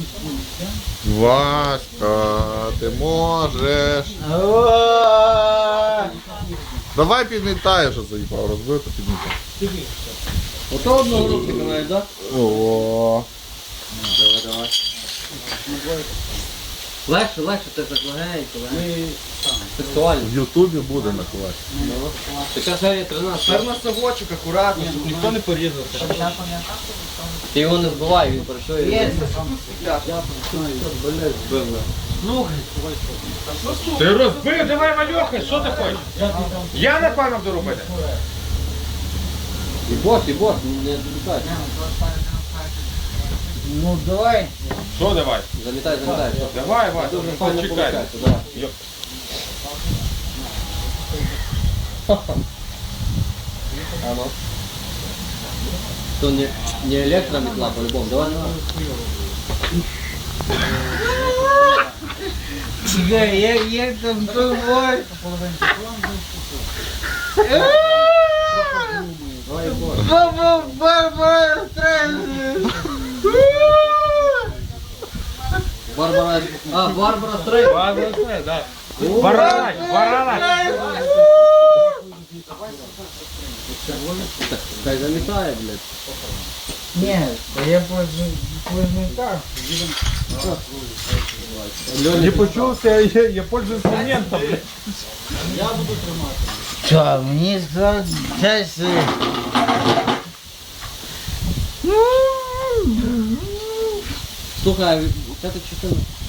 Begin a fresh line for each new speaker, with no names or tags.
Васька, ти можеш. Давай підмітай, що заїбав, розбив, то підмітай.
Ото одного руки маєш, так?
О.
Давай. Легше, ти так легенько, сексуально.
В Ютубі буде на класі.
Така серія 13.
Тепер совочок, акуратно, щоб ніхто не порізався.
Ти його не збивай, він працює.
Ти розбив, давай малюхай, що ти хочеш? Я напевно буду робити.
І бос, не залітай.
Ну давай.
Що давай?
Залітай.
Давай, Вася,
Дуже
ну,
файно
почекай.
получається, да.
Йоп.
А ну. То не электрометла по-любому, давай.
Чекай, як там твой.
Давай, бос.
Барбара Стрейзен.
Барбара Стрейзен.
Баралась.
Хай залітає, блядь.
Ні, я позже так.
Не почувся, я пользуюсь моментом.
Що, мені зараз...
Слухай, це ти частина.